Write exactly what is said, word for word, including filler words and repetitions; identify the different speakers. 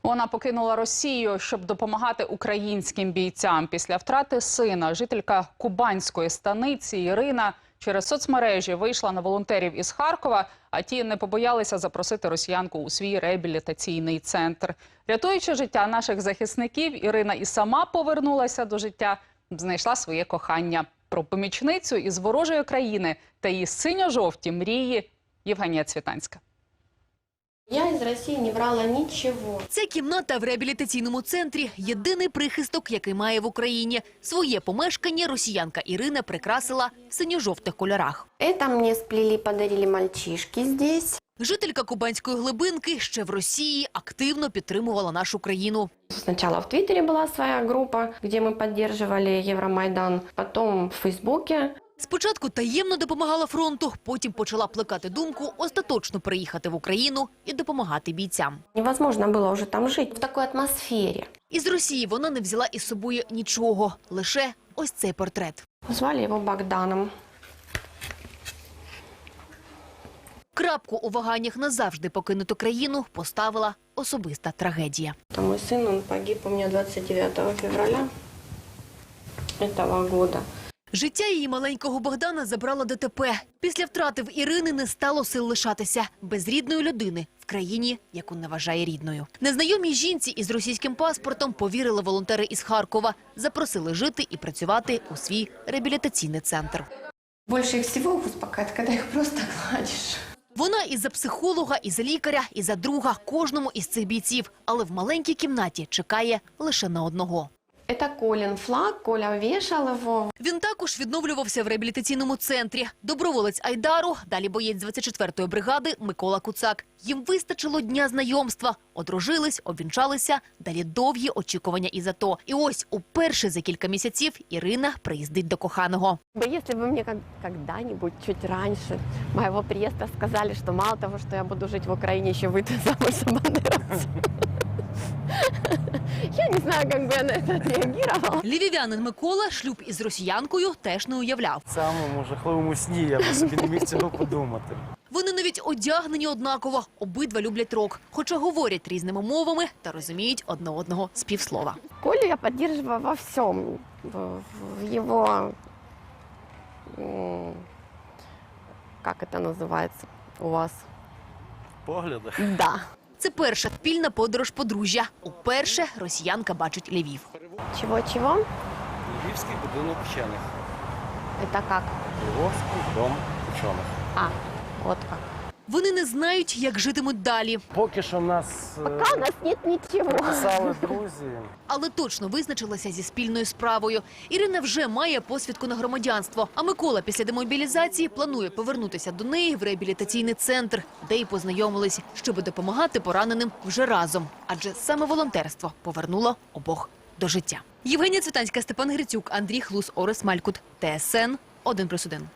Speaker 1: Вона покинула Росію, щоб допомагати українським бійцям. Після втрати сина жителька кубанської станиці Ірина через соцмережі вийшла на волонтерів із Харкова, а ті не побоялися запросити росіянку у свій реабілітаційний центр. Рятуючи життя наших захисників, Ірина і сама повернулася до життя, знайшла своє кохання. Про помічницю із ворожої країни та її синьо-жовті мрії Євгенія Цвітанська.
Speaker 2: Я із Росії не брала нічого.
Speaker 3: Це кімната в реабілітаційному центрі – єдиний прихисток, який має в Україні. Своє помешкання росіянка Ірина прикрасила в синьо-жовтих кольорах.
Speaker 2: Це мені сплели, подарили мальчишки здесь.
Speaker 3: Жителька кубанської глибинки ще в Росії активно підтримувала нашу країну.
Speaker 2: Спочатку в Твіттері була своя група, де ми підтримували Євромайдан, потім в Фейсбуці.
Speaker 3: Спочатку таємно допомагала фронту, потім почала плекати думку остаточно приїхати в Україну і допомагати бійцям.
Speaker 2: Невозможно було вже там жити в такій атмосфері.
Speaker 3: Із Росії вона не взяла із собою нічого, лише ось цей портрет.
Speaker 2: Звали його Богданом.
Speaker 3: Крапку у ваганнях назавжди покинути країну поставила особиста трагедія.
Speaker 2: Мій син, він погиб у мене двадцять дев'ятого февраля цього року.
Speaker 3: Життя її маленького Богдана забрало ДТП. Після втрати в Ірини не стало сил лишатися без рідної людини в країні, яку не вважає рідною. Незнайомій жінці із російським паспортом повірили волонтери із Харкова. Запросили жити і працювати у свій реабілітаційний центр.
Speaker 2: Більше всього успокоїть, коли їх просто гладиш.
Speaker 3: Вона і за психолога, і за лікаря, і за друга кожному із цих бійців. Але в маленькій кімнаті чекає лише на одного.
Speaker 2: Це Колін Флаг, Коля вішав його.
Speaker 3: Він також відновлювався в реабілітаційному центрі. Доброволець Айдару, далі боєць двадцять четвертої бригади Микола Куцак. Їм вистачило дня знайомства. Одружились, обвінчалися, далі довгі очікування із АТО. І ось уперше за кілька місяців Ірина приїздить до коханого.
Speaker 2: Якщо б мені коли-небудь, чуть раніше, моєго приїзду сказали, що мало того, що я буду жити в Україні, ще вийти замуж за бандеровця. Я не знаю, як би я на це відреагувала.
Speaker 3: Львів'янин Микола шлюб із росіянкою теж не уявляв.
Speaker 4: В самому жахливому сні я б собі не міг цього подумати.
Speaker 3: Вони навіть одягнені однаково, обидва люблять рок, хоча говорять різними мовами та розуміють одне одного з півслова.
Speaker 2: Колю я підтримувала во всьому, в його, як це називається у вас?
Speaker 4: Поглядах?
Speaker 2: Да.
Speaker 3: Це перша спільна подорож подружжя. Уперше росіянка бачить Львів.
Speaker 2: Чого-чого?
Speaker 4: Львівський будинок вчених.
Speaker 2: Це як?
Speaker 4: Львовський дом вчених.
Speaker 2: А, от як.
Speaker 3: Вони не знають, як житимуть далі.
Speaker 4: Поки що нас
Speaker 2: Поки у нас нет нічого.
Speaker 4: писали друзі.
Speaker 3: Але точно визначилася зі спільною справою. Ірина вже має посвідку на громадянство. А Микола після демобілізації планує повернутися до неї в реабілітаційний центр, де й познайомились, щоб допомагати пораненим вже разом. Адже саме волонтерство повернуло обох до життя. Євгенія Цвітанська, Степан Грицюк, Андрій Хлус, Орес Малькут, Т С Н один плюс один.